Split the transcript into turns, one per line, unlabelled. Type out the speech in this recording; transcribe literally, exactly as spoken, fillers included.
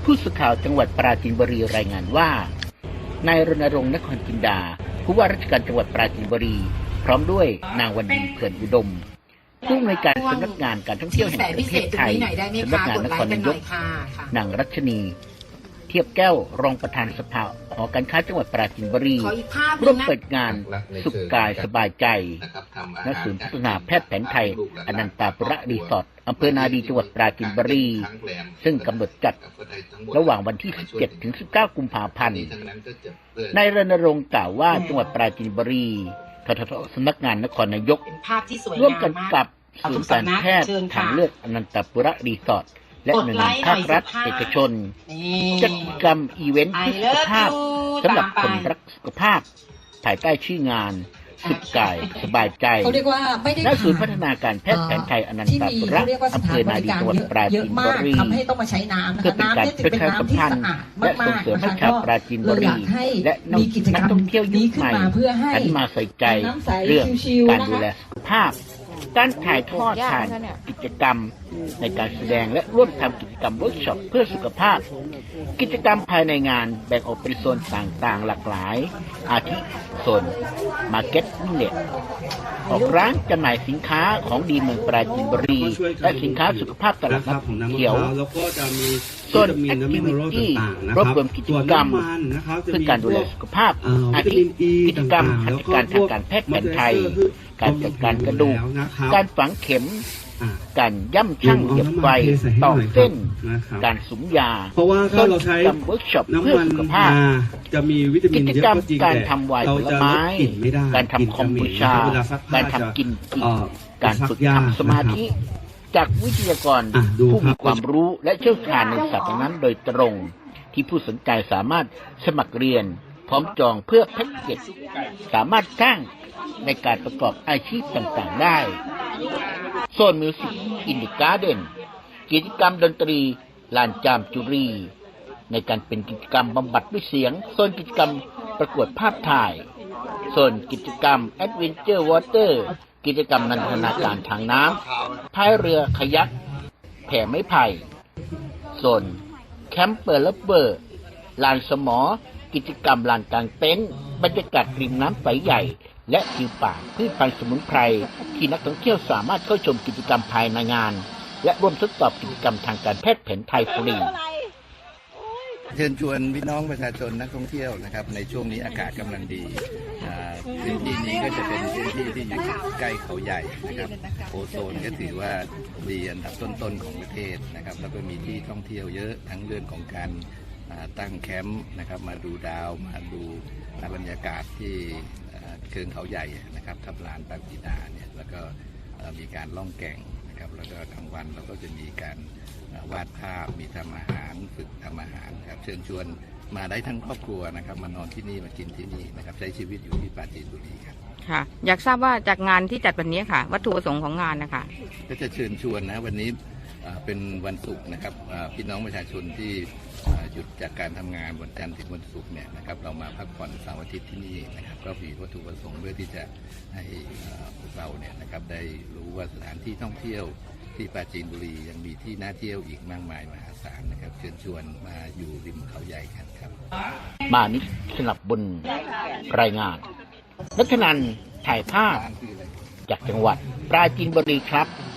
ผู้สื่อข่าวจังหวัดปราจีนบุรีรายงานว่านายรณรงค์นครจินดาผู้ว่าราชการจังหวัดปราจีนบุรีพร้อมด้วยนางวันดีเผื่อนอุดมผู้อำนวยการสำนักงานการท่องเที่ยวแห่งประเทศไทยสำนักงานนครนายกนางรัชนีเทียบแก้วรองประธานสภาหอการค้าจังหวัดปราจีนบุรีร่วมเปิดงานสุขกายสบายใจณศูนย์พัฒนาแพทย์แผนไทยอนันตาปุระรีสอร์ทอำเภอนาดีจังหวัดปราจีนบุรีซึ่งกำหนดจัดระหว่างวันที่สิบเจ็ดถึงสิบเก้ากุมภาพันธ์นายรณรงค์กล่าวว่าจังหวัดปราจีนบุรีทททสำนักงานนครนายกร่วมกันกับศูนย์การแพทย์ทางเลือกอนันตาปุระรีสอร์ทและหน่วยงานภาครัฐเอกชนจัดกิจกรรมอีเวนต์เพื่อสุขภาพสำหรับคนรักสุขภาพภายใต้ชื่องานสุขกายสบายใจณศูนย์พัฒนาการแพทย์แผนไทยอนันตาปุระอำเภอนาดีจังหวัดปราจีนบุรีเพื่อเป็นการประชาสัมพันธ์และส่งเสริมให้ชาวปราจีนบุรีและนักท่องเที่ยวยุคใหม่หันมาใส่ใจเรื่องการดูแลสุขภาพการถ่ายทอดผ่านกิจกรรมในการแสดงและร่วมทำกิจกรรมเวิร์กช็อปเพื่อสุขภาพกิจกรรมภายในงานแบ่งออกเป็นโซนต่างๆหลากหลายอาทิโซนมาร์เก็ตวิลเลจออกร้านจำหน่ายสินค้าของดีเมืองปราจีนบุรีและสินค้าสุขภาพตลาดนัดเขียวโซนแอคทิวิตี้รวบรวมกิจกรรมเพื่อการดูแลสุขภาพอาทิกิจกรรมหัตถการทางการแพทย์แผนไทยการจัดการกระดูกการฝังเข็มการย่ำชั่งเหยียบไฟต่อเส้นการสุมยา
เพราะว่าถ้าเราใช้
เวิร์กช็อปเพื่อสุขภาพ
จะมีวิตามินเยอะก็จริง
การทำไวน์ผลไม้การทำคอมบูชาการทำกินกินการฝึกทำสมาธิจากวิทยากรผู้มีความรู้และเชี่ยวชาญในศาสตร์นั้นโดยตรงที่ผู้สนใจสามารถสมัครเรียนพร้อมจองเพื่อแพ็กเกจสามารถจ้างในการประกอบอาชีพต่างๆได้โซนมิวสิกอินดิการ์เดนกิจกรรมดนตรีลานจามจุรีในการเป็นกิจกรรมบำบัดด้วยเสียงโซนกิจกรรมประกวดภาพถ่ายโซนกิจกรรมแอดเวนเจอร์วอเตอร์กิจกรรมนันทนาการทางน้ำพายเรือคายักแผ่ไม้ไผ่โซนแคมเปอร์เลเบอร์ลานสมอกิจกรรมลานกลางเต็นท์บรรยากาศริมน้ำใสใหญ่และทิวป่าพืชพันธุ์สมุนไพรที่นักท่องเที่ยวสามารถเข้าชมกิจกรรมภายในงานและร่วมทดสอบกิจกรรมทางการแพทย์แผนไทยฟรี
เชิญชวนพี่น้องประชาชนนักท่องเที่ยวนะครับในช่วงนี้อากาศกำลังดีพื้นที่นี้ก็จะเป็นพื้นที่ที่อยู่ใกล้เขาใหญ่นะครับโอโซนก็ถือว่าดีอันดับต้นๆของประเทศนะครับแล้วก็มีที่ท่องเที่ยวเยอะทั้งเรื่องของการตั้งแคมป์นะครับมาดูดาวมาดูบรรยากาศที่เชิงเขาใหญ่นะครับทับลานปางกีดาเนี่ยแล้วก็มีการล่องแก่งนะครับแล้วก็กลางวันเราก็จะมีการวาดภาพมีทำอาหารฝึกทำอาหารครับเชิญชวนมาได้ทั้งครอบครัวนะครับมานอนที่นี่มากินที่นี่นะครับใช้ชีวิตอยู่ที่ปราจีนบุรีครับ
ค่ะอยากทราบว่าจากงานที่จัดวันนี้ค่ะวัตถุประสงค์ของงานนะคะ
ก็จะเชิญชวนนะวันนี้เป็นวันศุกร์นะครับพี่น้องประชาชนที่หยุดจากการทำงานวันจันทร์ถึงวันศุกร์เนี่ยนะครับเรามาพักผ่อนเสาร์อาทิตย์ที่นี่นะครับก็มีวัตถุประสงค์เพื่อที่จะให้พวกเราเนี่ยนะครับได้รู้ว่าสถานที่ท่องเที่ยวที่ปราจีนบุรียังมีที่น่าเที่ยวอีกมากมายมหาศาลนะครับเชิญชวนมาอยู่ริมเขาใหญ่กันครับ
มานิสนับบุญรายงานนัทนันถ่ายภาพจากจังหวัดปราจีนบุรีครับ